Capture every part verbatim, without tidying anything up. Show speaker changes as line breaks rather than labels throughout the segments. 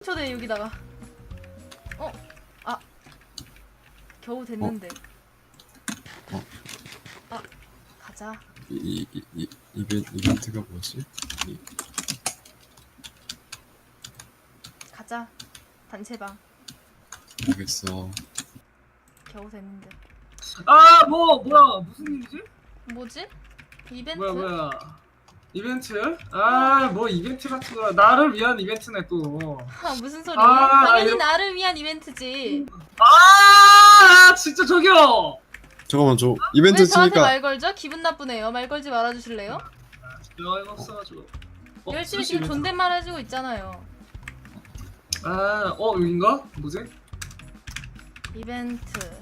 초대 여기다가. 어? 아 겨우 됐는데.
어?
아 가자.
이, 이, 이, 이벤, 이벤트가 뭐지? 이,
가자. 단체방.
모르겠어.
겨우 됐는데.
아, 뭐, 뭐야, 무슨 일이지?
뭐지? 이벤트?
뭐야, 뭐야. 이벤트? 아, 뭐 이벤트 같은 거. 나를 위한 이벤트네, 또.
아 무슨 소리?
아,
당연히
이거-
나를 위한 이벤트지.
아, 진짜 저기요!
잠깐만, 저 이벤트
왜 저한테
치니까.
말 걸죠? 기분 나쁘네요. 말 걸지 말아주실래요?
여행 없어가지고. 어,
열심히
수시
지금
이벤트.
존댓말 해주고 있잖아요.
아, 어, 여긴가? 뭐지?
이벤트.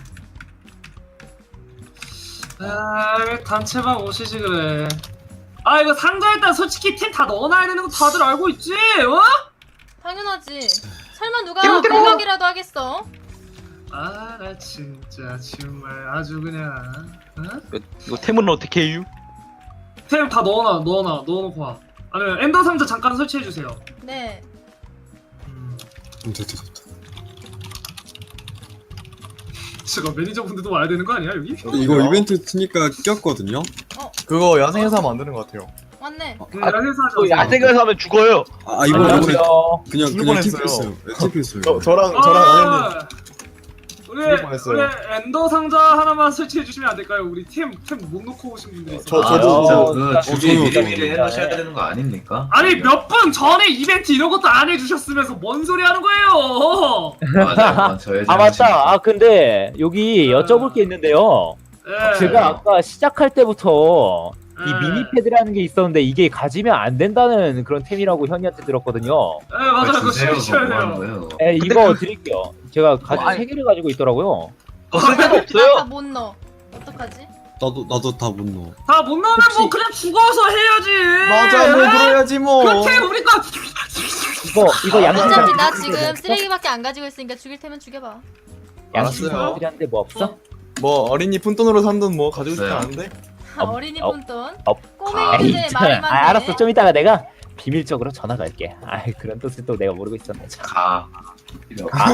아, 왜 단체방 오시지, 그래. 아, 이거 상자 일단 솔직히 템 다 넣어놔야 되는 거 다들 알고 있지? 어?
당연하지. 설마 누가 공격이라도 하겠어?
아, 나 진짜 정말 아주 그냥. 어?
이거, 이거 템은 어떻게 해요?
템 다 넣어놔, 넣어놔, 넣어놓고 와. 아니면 엔더 상자 잠깐 설치해주세요.
네.
음.
음, 됐다, 됐다.
지금 매니저분들도 와야 되는 거 아니야, 여기?
이거 이벤트 치니까 꼈거든요?
그거 야생에서 만드는 것 같아요.
왔네.
응, 야생에서 하자.
또 야생에서 하면 죽어요.
아, 이번에, 이번에
안녕하세요.
그냥,
죽을
그냥
뻔했어요.
티피했어요. 네, 티피했어요.
저, 저랑 저랑 아현님
아, 우리,
죽을 뻔했어요.
우리 엔더 상자 하나만 설치해 주시면 안 될까요? 우리 템 템 못 놓고 오신 분들이 있어.
저-
아,
저도-
진짜
어,
그 준비
저도-
미리미리 해놓으셔야 되는 거 아닙니까?
아니 몇 분 전에 이벤트 이런 것도 안 해주셨으면서 뭔 소리 하는 거예요?
맞아요, 저의
아 맞다. 아 근데 여기
아.
여쭤볼 게 있는데요.
예.
제가 아까 시작할 때부터 이
예.
미니패드라는 게 있었는데 이게 가지면 안 된다는 그런 템이라고 현이한테 들었거든요.
예, 맞아요.
그걸
그거
주세요,
설치해야
그거 뭐 하는
돼요.
거예요?
에 이거 드릴게요. 제가 가지고
아니.
세 개를 가지고 있더라고요.
벗을 데가
나 다
없어요.
못 넣어. 어떡하지?
나도, 나도 다 못 넣어.
다 못 넣으면 뭐
혹시-
그냥 죽어서 해야지.
맞아 뭐 그래야지 뭐.
그템 우리가
이거 이거 양심
어차피 나
상품
지금 쓰레기밖에 안 가지고 있으니까 죽일 테면 죽여봐.
양심
알았어요.
상품이라는데 뭐 없어?
뭐 어린이 푼돈으로 산 돈 뭐 가지고 싶지
없어요.
않은데.
아,
업,
어린이
업,
푼돈.
업.
꼬맹이
에이,
주제에
참.
말이 많네.
아, 알았어. 좀 이따가 내가 비밀적으로 전화 걸게. 아 그런 뜻을 또 내가 모르고 있었네. 참.
가. 필요 없어.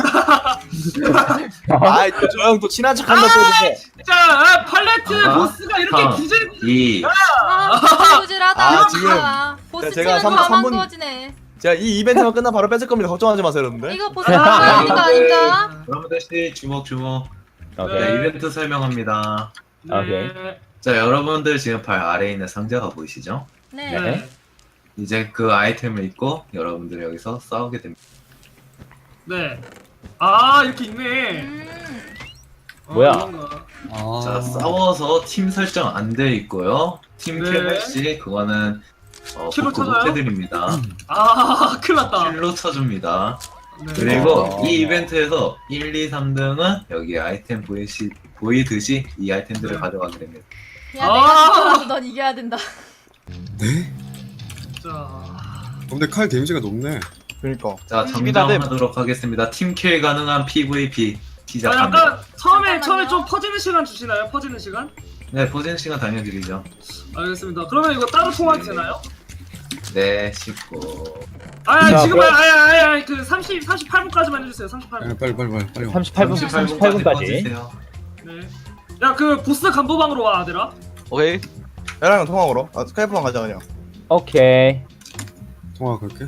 아이 또 저 형 또 친한 척한다 또 이제.
자 아, 팔레트
아,
보스가 이렇게
아.
기절.
이
아, 구질구질하다.
아, 지금
아, 보스
제가
치면
삼-
가만
삼 분-
구워지네.
제가 이 이벤트만 끝나 바로 뺏을 겁니다. 걱정하지 마세요 여러분들.
이거 보스 가야 하는 거 아닌가?
여러분들 씨 주목 주목.
오케이.
네, 이벤트 설명합니다.
오케이.
네.
자, 여러분들 지금 발 아래에 있는 상자가 보이시죠?
네.
네.
이제 그 아이템을 입고 여러분들 여기서 싸우게 됩니다.
네. 아 이렇게 있네.
음.
어,
뭐야?
그런가.
아.
자, 싸워서 팀 설정 안 돼 있고요. 팀
네.
킬시 그거는 어,
킬로
복구
쳐줘요?
못 해드립니다.
아 큰일 났다.
킬로 쳐줍니다.
네.
그리고
어.
이 이벤트에서 일, 이, 삼 등은 여기 아이템 보이시, 보이듯이 이 아이템들을
네.
가져가게 됩니다.
야
아.
내가 죽더라도 넌 이겨야 된다.
네?
자.
어, 근데 칼 데미지가 높네.
그러니까.
자,
팀이다, 네.
정정하도록 하겠습니다. 팀킬 가능한 피브이피
아,
시작합니다.
약간 처음에
잠깐만요.
처음에 좀 퍼지는 시간 주시나요? 퍼지는 시간?
네, 포진 시간 당겨드리죠.
알겠습니다. 그러면 이거 따로 통화도 되나요?
네, 십구.
아
자,
지금
그럼-
아니 아니 아니 그 삼십 삼십팔 분까지만 해주세요. 삼십팔
아,
분.
빨리, 빨리, 빨리, 빨리. 와.
삼십팔 분 삼십팔 분까지.
퍼주세요.
네. 야 그 보스 간부방으로 와 아들아.
오케이.
얘랑 통화 걸어. 아 스카이프만 가자 그냥.
오케이.
통화 걸게.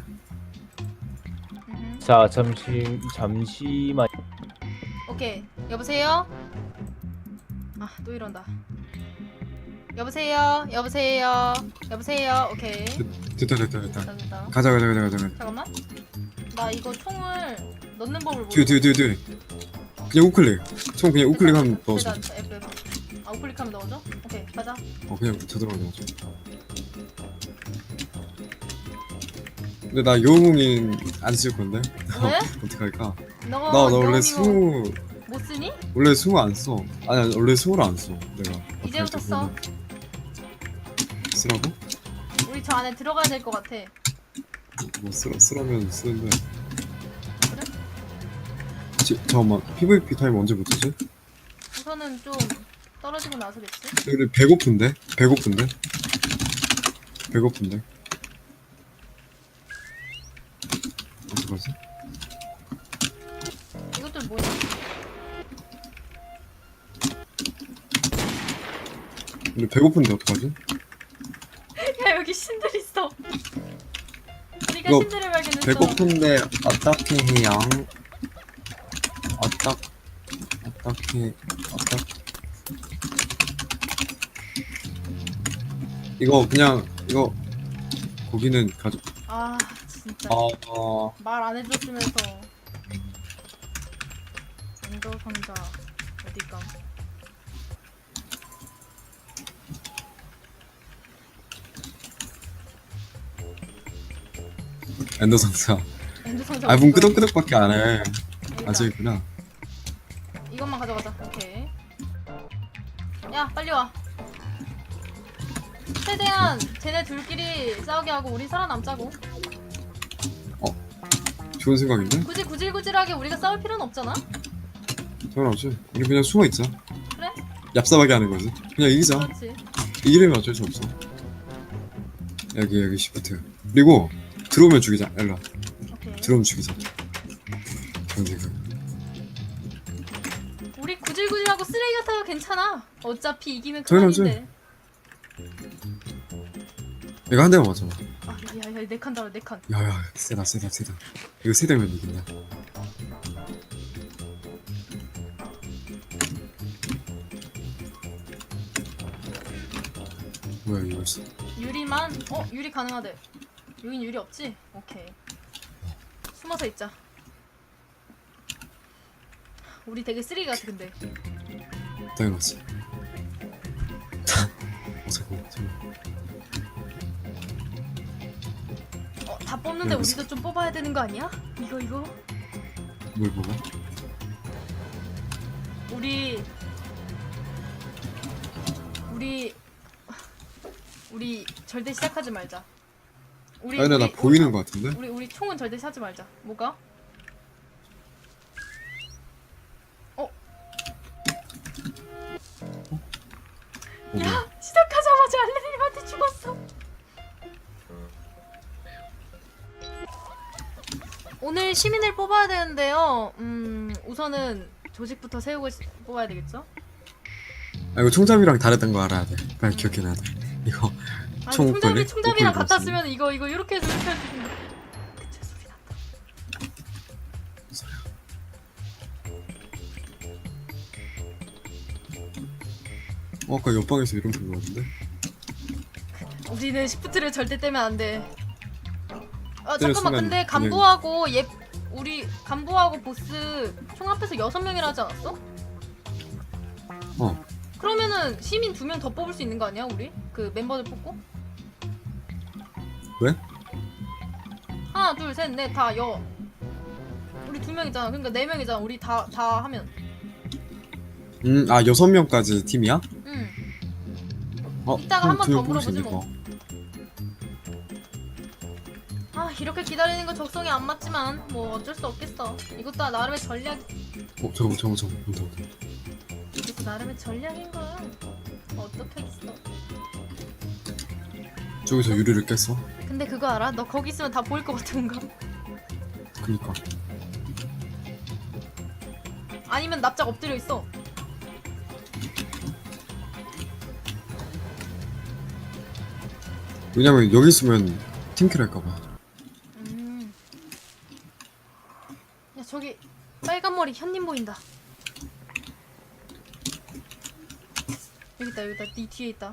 음.
자 잠시 잠시만.
오케이. 여보세요? 아 또 이런다. 여보세요? 여보세요? 여보세요? 오케이.
됐다, 됐다, 됐다.
됐다 됐다.
가자, 가자, 가자, 가자. 가자.
잠깐만. 나 이거 총을 넣는 법을
뒤에,
모르.
뒤에, 뒤에, 뒤에. 그냥 우클릭. 총 그냥 우클릭하면 넣어줘.
됐다, 됐다. F F. 아 우클릭하면 넣어줘? 오케이 가자.
어, 그냥 저대로 넣어줘. 근데 나 여우몽인 안 쓸 건데?
왜?
어떡할까?
너가
나, 나 원래
영웅이고
승우,
못 쓰니?
원래 승우 안 써. 아니, 아니, 원래 승우를 안 써. 내가.
이제부터 써.
쓰라고?
우리 저 안에 들어가야 될 것 같아.
뭐 쓰라, 쓰라면 쓰는데.
그래?
지, 잠깐만, 피브이피 타임 언제 붙이지?
우선은 좀 떨어지고 나서겠지?
근데 배고픈데? 배고픈데? 배고픈데? 어떡하지?
신들 뭐야?
근데 배고픈데 어떡하지?
야 여기 신들 있어. 우리가
이거
신들을 발견했어.
배고픈데 어떻게 해요? 어떻 어떻게 어떻게 이거 그냥 이거 고기는 가져.
아 진짜
어, 어
말 안 해줬으면서. 엔더 상자 어디가?
엔더 상자.
엔더 상자.
아, 문
어디 거야?
끄덕끄덕밖에 안 해.
여기다.
아직이구나.
이것만 가져가자. 오케이. 야 빨리 와. 최대한 쟤네 둘끼리 싸우게 하고 우리 살아남자고.
좋은 생각인데?
굳이 구질구질하게 우리가 싸울 필요는 없잖아.
당연하지. 우리 그냥 숨어 있자.
그래?
얍삽하게 하는 거지. 그냥 이기자.
그렇지.
이기려면 어쩔 수 없어. 여기 여기 시프트. 그리고 들어오면 죽이자. 일로 와.
오케이.
들어오면 죽이자. 그런 생각.
우리 구질구질하고 쓰레기 같아도 괜찮아. 어차피 이기면
당연하지.
그만인데.
이거 한 대만 맞아.
아, 야야 네 칸 달아 네 칸.
야야 세다 세다 세다. 이거 세 대면 이긴다. 뭐야 이거 있어.
유리만? 어 유리 가능하대. 여긴 유리 없지? 오케이. 숨어서 있자. 우리 되게 쓰레기 같아 근데.
당연하지. 어 잠깐만 잠깐만.
어 다 뽑는데
여기 있어.
우리도 좀 뽑아야 되는 거 아니야? 이거 이거.
뭘 먹어?
우리 우리 우리 절대 시작하지 말자. 우리
아 근데 나
우리-
보이는 거 같은데?
우리 우리 총은 절대 하지 말자. 뭐가? 어?
어, 뭐야?
야 시작하자마자 알레님한테 죽었어. 오늘 시민을 뽑아야 되는데요. 음 우선은 조직부터 세우고 시- 뽑아야 되겠죠?
아 이거 총잡이랑 다르던 거 알아야 돼. 빨리 기억해놔야 돼. 이거
아니
총
총잡이
걸리?
총잡이랑
옷걸이
같았으면 이거 이거 이렇게 해서 이렇게 해서 그치 소리 난다.
소리야. 어 아까 옆방에서 이런 소리 나는데?
우리는 시프트를 절대 떼면 안 돼. 아
때릴
잠깐만
순간
근데
그냥-
간부하고 얘 우리 간부하고 보스 총 합해서 여섯 명이라 하지 않았어?
어.
그러면은 시민 두 명 더 뽑을 수 있는 거 아니야 우리? 그 멤버들 뽑고?
왜?
하나 둘 셋 넷 다 여. 우리 두 명이잖아. 그러니까 네 명이잖아. 우리 다 다 하면.
음아 여섯 명까지 팀이야?
응.
어
이따가
그럼
한번
두명
더
뽑을 수
물어보지
있네,
뭐.
어.
아 이렇게 기다리는 거 적성에 안 맞지만 뭐 어쩔 수 없겠어. 이것도 나름의 전략.
어 잠깐만 잠깐만 잠깐만 온다 온다.
이것도 나름의 전략인 거야. 어떡하겠어.
저기서 유리를 깼어.
근데 그거 알아? 너 거기 있으면 다 보일 것 같은 거.
그니까
아니면 납작 엎드려 있어.
왜냐면 여기 있으면 팀킬 할까봐.
음. 야 저기 빨간 머리 현님 보인다. 여기 있다 여기 있다. 네 뒤에 있다.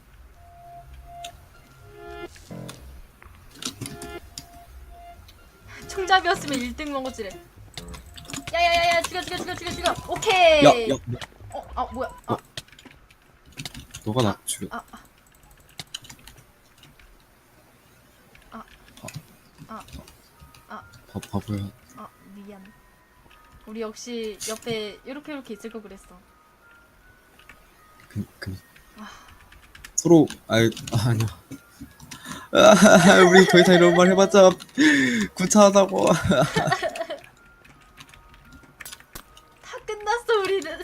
총잡이였으면 일 등 먹었지래. 야야야야 죽여 죽여 죽여 죽여 죽여. 오케이.
야야 야,
어, 아 뭐야? 아,
어. 너가 나 죽여.
아, 아, 아, 아,
바, 바보야.
아, 미안. 우리 역시 옆에 이렇게 이렇게 있을 거 그랬어.
그, 그.
아.
서로 아이 아, 아니야. 아, 우리 더 이상 이런 말 해봤자 구차하다고.
다 끝났어 우리는.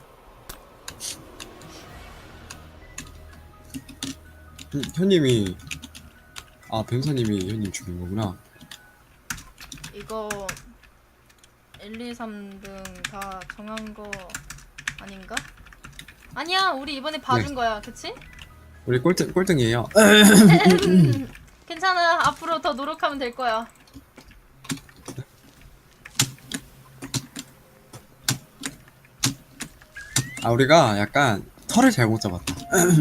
현- 현님이 아 변호사님이 현님 죽인 거구나.
이거 일, 이, 삼 등 다 정한 거 아닌가? 아니야, 우리 이번에 봐준
네.
거야, 그치?
우리 꼴등 꼴등이에요.
괜찮아, 앞으로 더 노력하면 될 거야.
아 우리가 약간 털을 잘못 잡았다.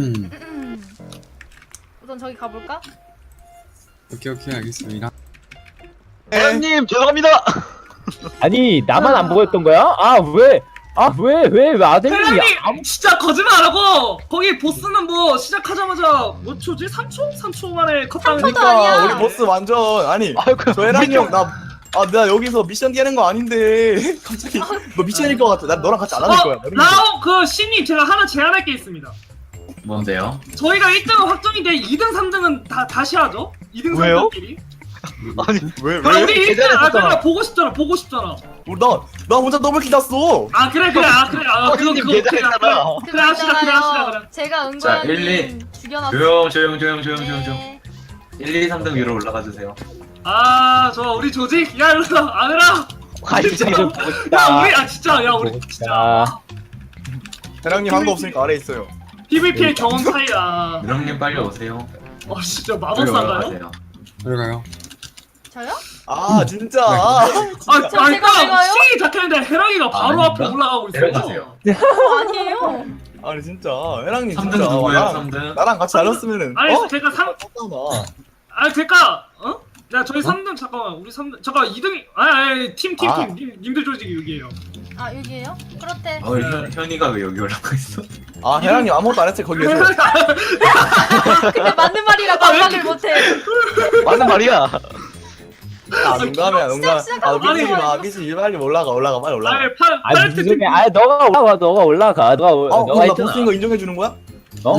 우선 저기 가볼까?
오케이 오케이 알겠습니다.
회장님 죄송합니다.
아니 나만 안 보였던 거야? 아 왜? 아 왜 왜 왜 아델님이
회장님
아무
진짜 거짓말 안 하고 거기 보스는 뭐 시작하자마자 몇 초지? 삼 초? 삼 초 만에 컷당을
삼 초도
했-
아니야.
그러니까 우리 보스 완전 아니
아이고
저 해랑이 형나 아, 나 여기서 미션 깨는 거 아닌데 갑자기 너 미션일 것 같아. 난 너랑 같이 안 하는 거야.
어, 라오 그 신님 제가 하나 제안할 게 있습니다.
뭔데요?
저희가 일 등은 확정이 돼 이 등, 삼 등은 다 다시 하죠. 이 등,
왜요?
삼 등끼리.
아니
왜
아, 우리 일 등, 아,
계산했었잖아.
그래 보고 싶잖아, 보고 싶잖아.
나나 혼자 더블킬 났어.
아, 그래, 그래, 아, 그래, 아, 그거,
형님
그거, 그래, 그래,
계산했잖아.
그래, 합시다, 그래, 합시다, 그래.
제가
자, 일,
은관님
이.
죽여놨어.
조용 조용 조용 조용 조용 조용.
네.
일, 이, 삼 등 위로 올라가 주세요.
아, 저 우리 조직, 야, 일로 와, 아들아.
아 진짜 이거 보고
야,
싶다.
우리, 아, 진짜, 야, 우리
보고
진짜.
싶다.
해랑님 한 거 없으니까 아래 있어요.
피브이피의 경험 차이야.
유령님 빨리 오세요.
어, 진짜
빨리
마법사인가요?
올라가세요.
들어가요.
저요?
아 진짜.
아, 아,
제가
그러니까
내가요?
시이 작했는데 해랑이가 바로
아,
앞에
아닌가?
올라가고 있어.
내려가세요.
어, 아니에요.
아니 진짜 해랑님
삼 등
진짜
누구예요?
나랑,
삼 등.
나랑 같이 다녔으면은
아니,
어?
제가 삼,
떴잖아.
아, 그니까, 어? 야, 저희 삼 등, 잠깐만, 우리 삼 등, 잠깐, 이 등이, 아니, 아니, 팀, 팀,
아.
팀, 님, 님들 조직이 여기에요.
아, 여기에요? 그렇대.
어, 현, 현이가 왜 여기 올라가 있어?
아 해랑님 아무것도 안 했을 때 거기 계세요.
근데 맞는 말이라 반박을 못해.
맞는 말이야.
아 농담이야 농담.
시작,
아
시작.
미치지 마 미치지 빨리 올라가 올라가 빨리 올라가.
아니, 팔,
아니
팔
무슨
팀.
소리야? 아 너가 올라가 너가 올라가 너가 올-
어
너가
그럼 나
했잖아.
보스인 거 인정해 주는 거야?
너?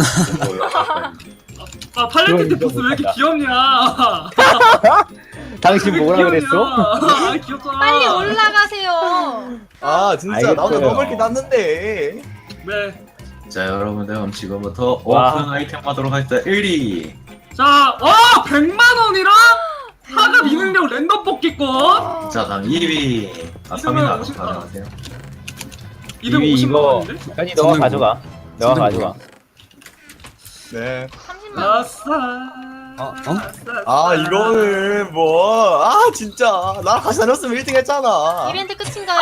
아, 팔레트
그건
보스 왜 이렇게
인정
귀엽냐?
당신 뭐라
귀엽냐?
그랬어?
아, 귀엽잖아.
빨리 올라가세요.
아 진짜 나 혼자
알겠어요.
더블킬 났는데.
네.
자, 여러분들 그럼 지금부터
와.
오픈 아이템 하도록 하겠습니다. 일 위.
자, 와, 백만 원이랑 하급 이능력 랜덤 뽑기권.
자, 다음 이 위. 아, 삼 위는 안
오십 만 원.
가져가세요.
이 등
이위
오십만
이거
원인데?
현이 너가
선생님
가져가. 너가
선생님
가져가.
네.
삼십만 원.
아싸.
어? 어?
아싸.
아 이거는 뭐 아 진짜 나랑 같이 다녔으면 일 등 했잖아.
이벤트 끝인가요?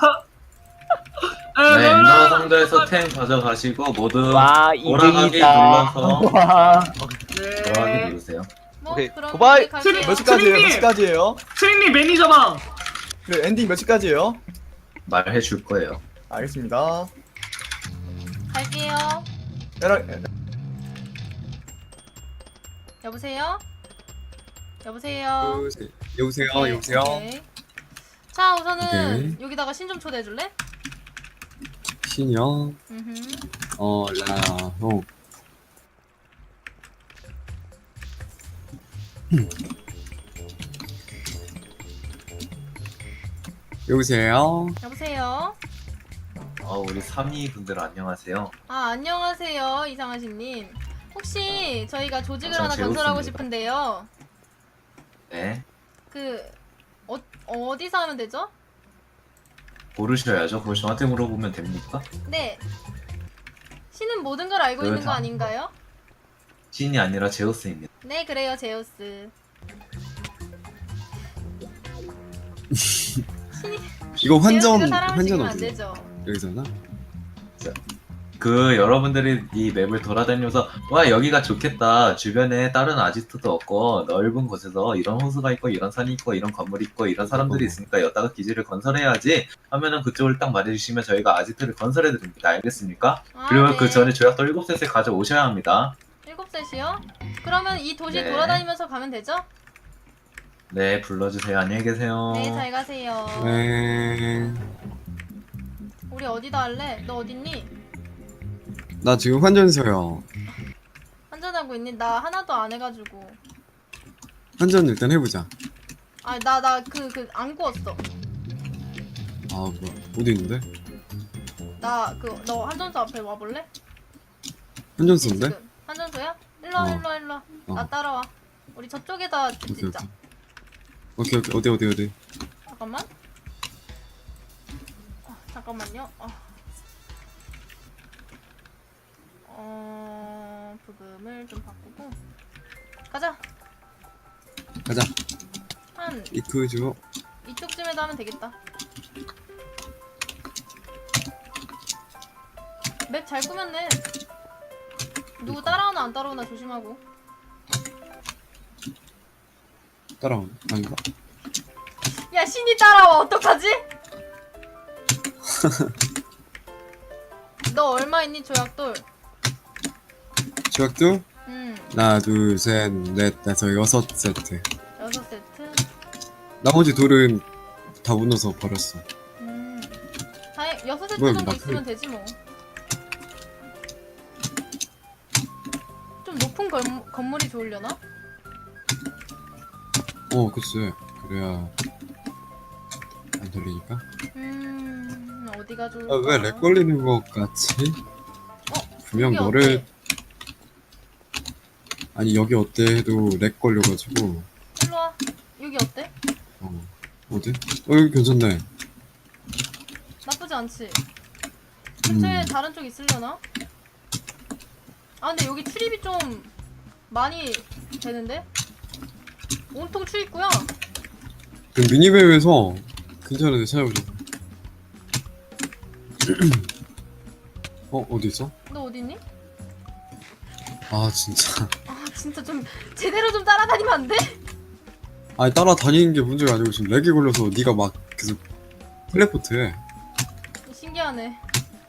에,
네,
놀라.
엔더 상자에서 템 가져가시고 모두
와
돌아가기
이등이다.
눌러서
와.
돌아가기
네.
누르세요.
뭐
오케이,
그럼
고바이.
우리 갈게요.
트리-
몇 시까지예요? 몇
선생님!
시까지예요?
트릭님 매니저방.
그 엔딩 몇 시까지예요?
말해 줄 거예요.
알겠습니다.
갈게요.
해랑
여보세요? 여보세요?
여보세요. 여보세요.
네,
여보세요.
오케이. 자, 우선은
오케이.
여기다가 신 좀 초대해 줄래?
신영.
음흠.
어 라호. 여보세요.
여보세요?
어, 우리 삼 위 분들 안녕하세요.
아, 안녕하세요. 이상하신 님. 혹시 저희가 조직을
저
하나 건설하고
제우스입니다.
싶은데요.
네.
그 어, 어디서 하면 되죠?
고르셔야죠. 그걸 저한테 물어보면 됩니까?
네. 신은 모든 걸 알고 있는 거
그렇다.
아닌가요?
신이 아니라 제우스입니다.
네, 그래요, 제우스. 신이
이거 환전
제우스가 사람을
환전
죽이면 안
어디요?
되죠.
여기서나?
그 여러분들이 이 맵을 돌아다니면서 와 여기가 좋겠다. 주변에 다른 아지트도 없고 넓은 곳에서 이런 호수가 있고 이런 산이 있고 이런 건물이 있고 이런 사람들이 있으니까 여기다가 기지를 건설해야지 하면은 그쪽을 딱 말해주시면 저희가 아지트를 건설해 드립니다. 알겠습니까?
아,
그리고
네.
그 전에 조약도 일곱 셋에 가져오셔야 합니다.
일곱 셋이요? 그러면 이 도시
네.
돌아다니면서 가면 되죠?
네 불러주세요. 안녕히 계세요.
네, 잘 가세요.
네.
우리 어디다 할래? 너 어딨니?
나 지금 환전소요.
환전하고 있니? 나 하나도 안 해가지고.
환전 일단 해보자.
아, 나, 나 그, 그, 안 구웠어.
아 뭐 어디 있는데?
나, 그, 너 환전소 앞에 와볼래?
환전소인데?
지금. 환전소야? 일로와,
어.
일로와, 일로와.
어.
나 따라와. 우리 저쪽에다 집
오케이
짓자.
오케이 오케이 오케이 어디 어디 어디.
잠깐만. 어, 잠깐만요. 어. 어, 부금을 좀 바꾸고 가자.
가자.
한
이크죠.
이쪽쯤에도 하면 되겠다. 맵 잘 꾸몄네. 누구 따라오나 안 따라오나 조심하고.
따라오네. 아닌가?
야, 신이 따라와. 어떡하지? 너 얼마 있니, 조약돌?
조약도
음,
하나 둘셋넷 다섯 여섯 세트.
여섯 세트.
나머지 돌은 다 무너서 버렸어.
음, 다행 여섯 세트
뭐야,
정도
막
있으면 되지 뭐. 좀 높은 건, 건물이 좋으려나?
어 그치. 그래야 안 돌리니까.
음, 어디가 좋을까?
아, 왜 렉 걸리는 것 같지?
어,
분명
여기
너를
어때?
아니 여기 어때 해도 렉 걸려가지고.
일로 와. 여기 어때?
어 어디? 어 여기 괜찮네.
나쁘지 않지? 근처에
음.
다른 쪽 있으려나? 아 근데 여기 출입이 좀 많이 되는데? 온통 출입구야.
그 미니맵에서 괜찮은데 찾아보자. 어 어디 있어?
너 어딨니?
아 진짜.
아 진짜 좀 제대로 좀 따라다니면 안 돼?
아니 따라다니는 게 문제가 아니고 지금 렉이 걸려서 네가 막 계속 텔레포트해.
신기하네.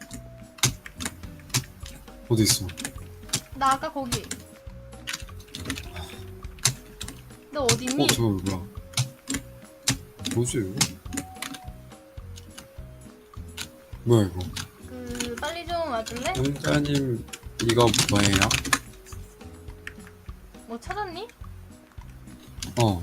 어디 있어?
나 아까 거기. 너 어딨니?
어 저거 뭐야? 뭐지 이거? 뭐야 이거?
그 빨리 좀 와줄래?
영자님 이거 뭐예요?
뭐 찾았니?
어.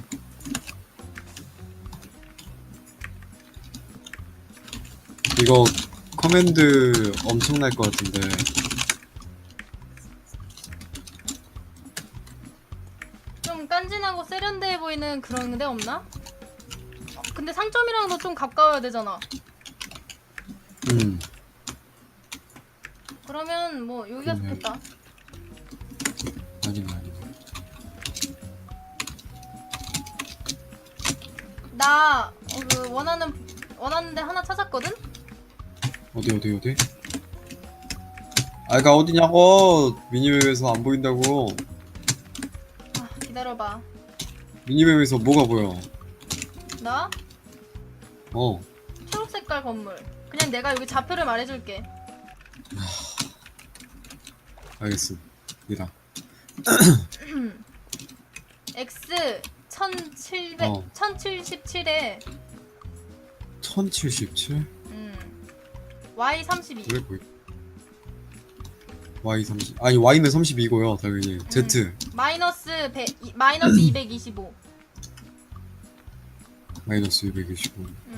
이거 커맨드 엄청날 것 같은데.
좀 깐진하고 세련돼 보이는 그런 데 없나? 어, 근데 상점이랑도 좀 가까워야 되잖아.
음.
그러면 뭐 여기가
음.
좋겠다.
아니네 아니네.
나 어, 그 원하는 원하는 데 하나 찾았거든?
어디 어디 어디? 아이가 어디냐고. 미니맵에서 안 보인다고.
아, 기다려봐.
미니맵에서 뭐가 보여?
나
어.
초록 색깔 건물. 그냥 내가 여기 좌표를 말해줄게.
알겠습니다.
X 천칠백
어.
천칠십칠에
천칠십칠?
음, Y 삼십이.
왜 보여? Y 삼십. 아니 Y는 삼십이고요 당연히. Z
마이너스 백 이- 마이너스 이백이십오.
마이너스 이백이십오.
음.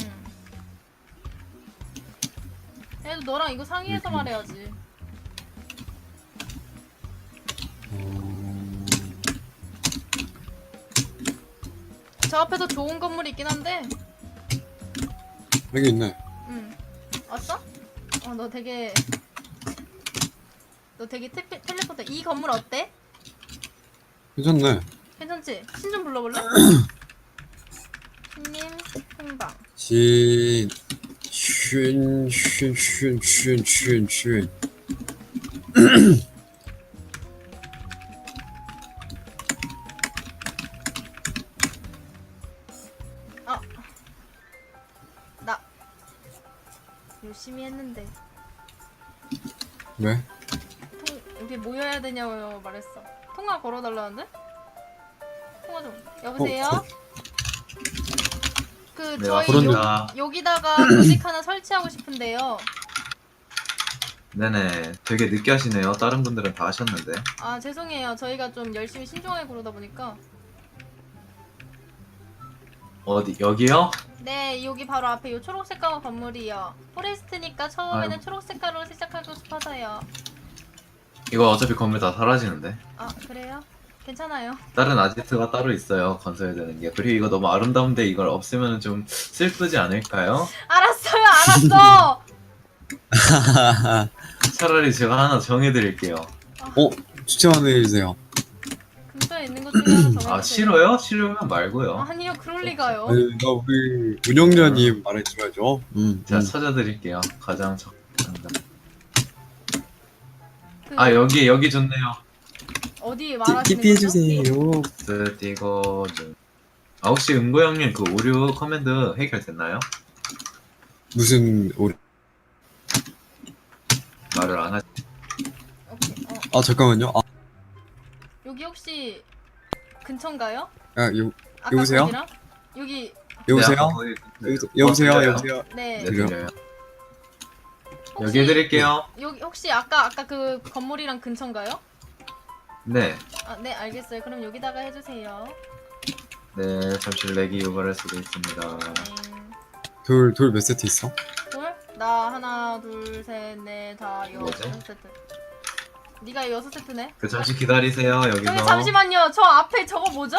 그래도 너랑 이거 상의해서
이렇게.
말해야지.
어...
저 앞에도 좋은 건물이 있긴 한데.
여기 있네.
응. 왔어? 어, 너 되게 너 되게 테, 텔레포트. 이 건물 어때?
괜찮네.
괜찮지? 신 좀 불러볼래? 신님 행방.
신... 쉰... 쉰... 쉰... 쉰... 쉰... 쉰...
아, 나 열심히 했는데
왜?
통 여기 모여야 되냐고 말했어. 통화 걸어달라는데? 통화 좀. 여보세요?
어,
그
네,
저희
그런가.
요, 여기다가 조직 하나 설치하고 싶은데요.
네네. 되게 늦게 하시네요. 다른 분들은 다 하셨는데.
아 죄송해요. 저희가 좀 열심히 신중하게 고르다 보니까.
어디 여기요?
네, 여기 바로 앞에 요 초록 색깔 건물이요. 포레스트니까 처음에는
아이고.
초록 색깔로 시작하고 싶어서요.
이거 어차피 건물 다 사라지는데.
아 그래요? 괜찮아요.
다른 아지트가 따로 있어요. 건설해야 되는 게. 그리고 이거 너무 아름다운데 이걸 없애면 좀 슬프지 않을까요?
알았어요, 알았어.
차라리 제가 하나 정해드릴게요.
어 추천해주세요.
근처에 있는 것 중에 하나 정해주세요.
아 싫어요? 싫으면 말고요.
아니요, 그럴 리가요.
아니 나 우리 운영자님 말해줘야죠. 음.
제가
음.
찾아드릴게요. 가장 적당한.
그
아 여기 여기 좋네요.
어디 말하시는
티피
거죠?
해주세요.
스티거 좀. 아 혹시 은고 형님 그 오류 커맨드 해결됐나요?
무슨 오리?
말을 안 하시.
오케이. 어,
아 잠깐만요. 아,
여기 혹시 근처인가요?
아 요,
아까
여보세요?
거기랑? 여기
여보세요?
거의-
여보세요? 여보세요?
들려요?
여보세요?
네.
네
들려?
들려요.
혹시
여기 해드릴게요.
여기 혹시 아까 아까 그 건물이랑 근처인가요?
네.
아, 네, 알겠어요. 그럼 여기다가 해주세요.
네 잠시 렉이 유발할 수도 있습니다.
네.
돌 돌 몇 세트 있어?
둘? 나 하나, 둘, 셋, 넷, 다 여섯
뭐지?
세트. 네가 여섯 세트네.
그 잠시 기다리세요. 여기서
저기 잠시만요. 저 앞에 저거 뭐죠?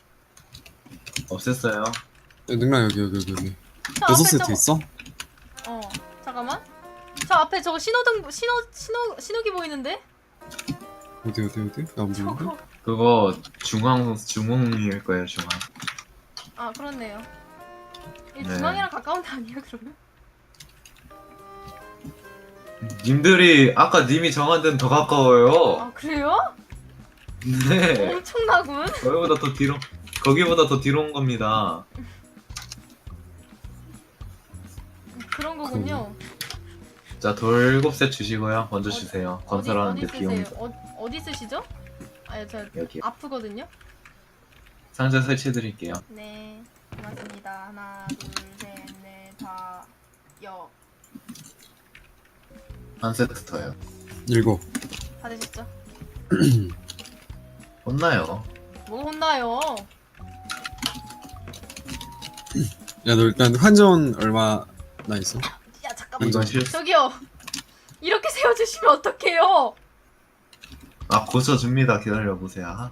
없앴어요.
야, 능랑 여기 여기 여기 여기.
저
여섯
앞에
세트
저거-
있어?
어, 잠깐만. 저 앞에 저거 신호등 신호 신호 신호기 보이는데?
어디 어디 어디? 나안 보이는데?
저거.
그거 중앙 중앙일 거예요. 중앙.
아, 그렇네요. 이
네.
중앙이랑 가까운 데 아니야, 그러면?
님들이 아까 님이 정한 데는 더 가까워요.
아, 그래요?
네.
엄청나군.
거기보다 더 뒤로 거기보다 더 뒤로 온 겁니다.
그런 거군요.
자, 돌 일곱 셋 주시고요. 먼저 주세요.
어디
건설하는데
어디
비용이
쓰세요? 어, 어디 쓰시죠? 아니, 저
여기
아프거든요.
상자 설치해 드릴게요.
네, 고맙습니다. 하나, 둘, 셋, 넷, 다, 여.
한 세트 더요.
일곱.
받으셨죠?
혼나요.
뭐 혼나요?
야 너 일단 환전 얼마나 있어?
야, 잠깐만.
이건 실
저기요. 이렇게 세워주시면 어떡해요?
아, 고쳐 줍니다. 기다려 보세요.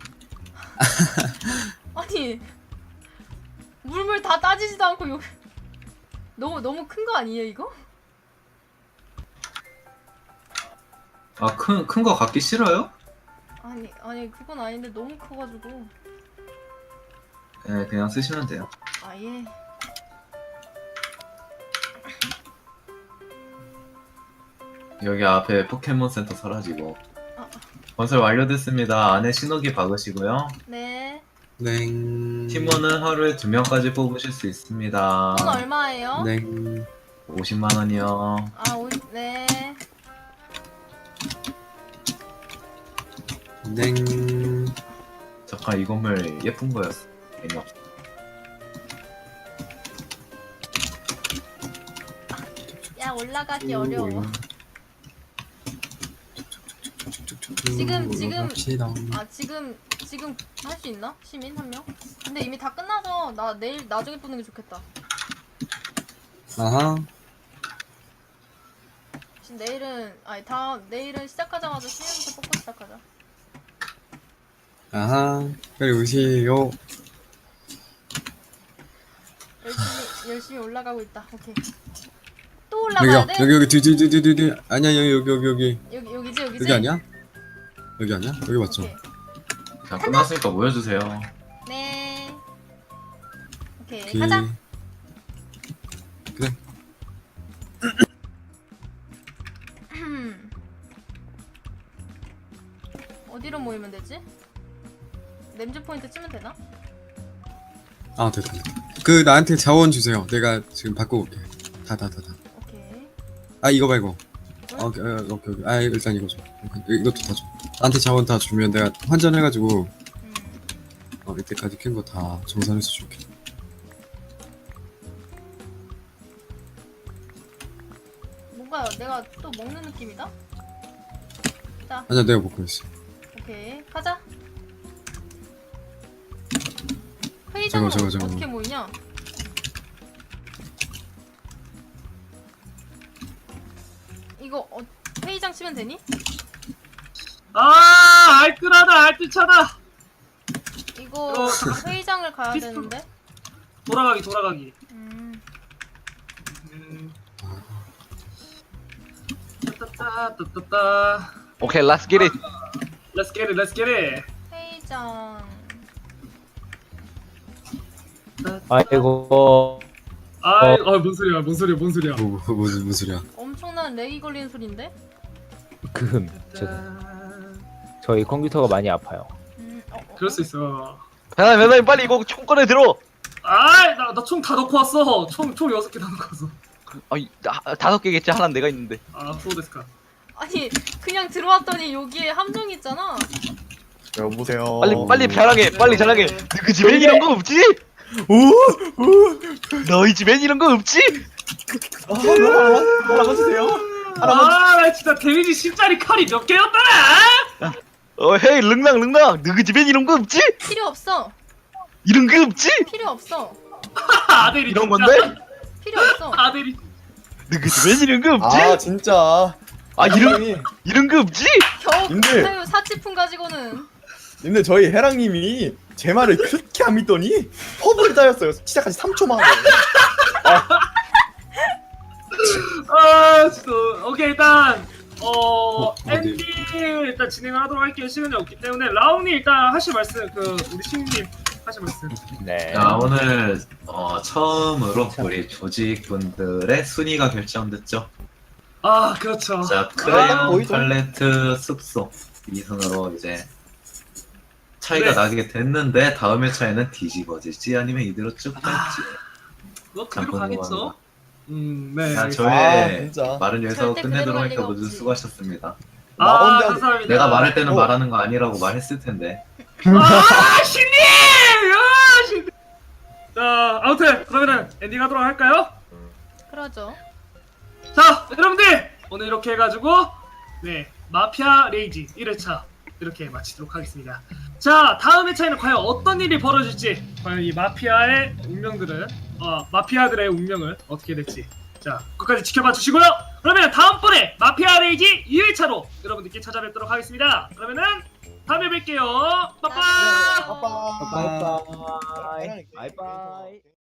아니, 물물 다 따지지도 않고 요. 너무 너무 큰 거 아니에요, 이거?
아, 큰 큰 거 갖기 싫어요?
아니, 아니 그건 아닌데 너무 커가지고.
네, 그냥 쓰시면 돼요.
아, 예.
여기 앞에 포켓몬 센터 사라지고.
아.
건설 완료됐습니다. 안에 신호기 박으시고요.
네.
냉.
팀원은 하루에 두 명까지 뽑으실 수 있습니다.
돈 얼마예요?
냉.
오십만 원이요.
아, 오, 네.
냉.
잠깐 이 건물 예쁜 거였어. 괜히 없-
야, 올라가기 어려워. 지금, 지금-
올라갑시다.
아, 지금 지금 할 수 있나? 시민 한 명? 근데 이미 다 끝나서 나 내일 나중에 보는 게 좋겠다.
아하.
지금 내일은 아니 다음 내일은 시작하자마자 시민부터 뽑고 시작하자.
아하. 빨리 오세요.
열심히 열심히 올라가고 있다. 오케이. 또
여기요.
올라가야 돼?
여기 여기 뒤뒤뒤뒤뒤. 아니야 여기 여기 여기 여기.
여기 여기지 여기지.
여기 아니야? 여기 아니야? 여기 맞죠?
오케이.
자, 끝났으니까 모여주세요.
네. 오케이
오케이.
가자.
그래.
어디로 모이면 되지? 램즈 포인트 치면 되나?
아 됐다 됐다. 그 나한테 자원 주세요. 내가 지금 바꿔올게. 다 다 다 다.
오케이.
아 이거 말고.
응?
아, 오케이 어, 오케이 오케이. 아 일단 이거 줘. 오케이, 이것도 다 줘. 나한테 자원 다 주면 내가 환전해가지고
음.
어, 이때까지 캔 거 다 정산해서 줄게.
뭔가 내가 또 먹는 느낌이다.
아니야 내가 먹고 있어.
오케이 가자. 회의장은
저거, 저거, 저거.
어떻게 모이냐? 이거 어, 회의장 치면 되니?
아 알뜰하다 알뜰차다.
이거
어, 잠깐.
회의장을 가야
피스톨.
되는데.
돌아가기 돌아가기.
음.
음. 따따따 따따따.
오케이, let's get it.
Let's get it, let's get it.
회의장.
아이고.
아이, 어, 뭔 소리야, 뭔 소리야, 뭔 소리야.
뭐, 뭐, 무슨 무슨 소리야?
엄청난 렉이 걸리는 소린데?
금. 저, 저희 컴퓨터가 많이 아파요.
음. 어, 어,
그럴 수 있어.
배나님, 배나님 빨리 이거 총 꺼내 들어.
아이, 나, 나 총 다 넣고 왔어. 총, 총 여섯 개 다 넣고 왔어.
아이, 다- 다섯 개겠지. 하나는 내가 있는데.
아, 프로데스카.
아니 그냥 들어왔더니 여기에 함정 있잖아.
여보세요.
빨리 빨리 자랑해. 빨리 자랑해. 그 집엔 이런 거 없지? 너희 집엔 이런 거 없지?
아, 하나만 하나만 해주세요. 하나만.
아, 나 진짜 데미지 십짜리 칼이 몇 개였더라?
어, 헤이, 릉랑 릉랑. 너희 집엔 이런 거 없지?
필요 없어.
이런 거 없지?
필요 없어.
아들이
이런
진짜.
건데?
필요 없어.
아들이.
너희 집엔 이런 거 없지?
아 진짜.
아, 이런
해랑님이-
이런 거 없지?
겨우
님들.
사유 사치품 가지고는.
근데 저희 해랑님이 제 말을 그렇게 안 믿더니 퍼블을 따였어요. 시작한 지 삼 초 만에.
아, 진짜. 오케이, 일단 어,
어, 어디?
엔딩 일단 진행을 하도록 할게요. 시간이 없기 때문에 라운이 일단 하실 말씀 그 우리 신님 하실 말씀.
네.
자, 오늘 어, 처음으로 우리 조직분들의 순위가 결정됐죠.
아, 그렇죠.
자,
아,
크레용
보이죠?
팔레트 숙소 이 순으로 이제 차이가
네.
나게 됐는데 다음 회차에는 뒤집어질지 아니면 이대로 쭉 갈지.
뭐
참
그대로 가겠죠.
궁금합니다.
음, 네.
자,
알겠습니다.
저의
아, 진짜.
말은 여기서
절대
끝내도록
그대로 갈
하니까
리가
모두
없지.
수고하셨습니다.
나
아,
혼자-
감사합니다.
내가 말할 때는
어.
말하는 거 아니라고 말했을 텐데.
아, 신님! 아, 신님! 자, 아무튼 그러면은 엔딩 하도록 할까요?
그러죠.
자, 여러분들 오늘 이렇게 해가지고 네 마피아 레이지 일 회차 이렇게 마치도록 하겠습니다. 자, 다음 회차에는 과연 어떤 일이 벌어질지, 과연 이 마피아의 운명들은 어 마피아들의 운명을 어떻게 될지, 자 끝까지 지켜봐 주시고요. 그러면 다음번에 마피아 레이지 이 회차로 여러분들께 찾아뵙도록 하겠습니다. 그러면은 다음에 뵐게요. 빠빠.
빠빠.
바이바이. 바이바이.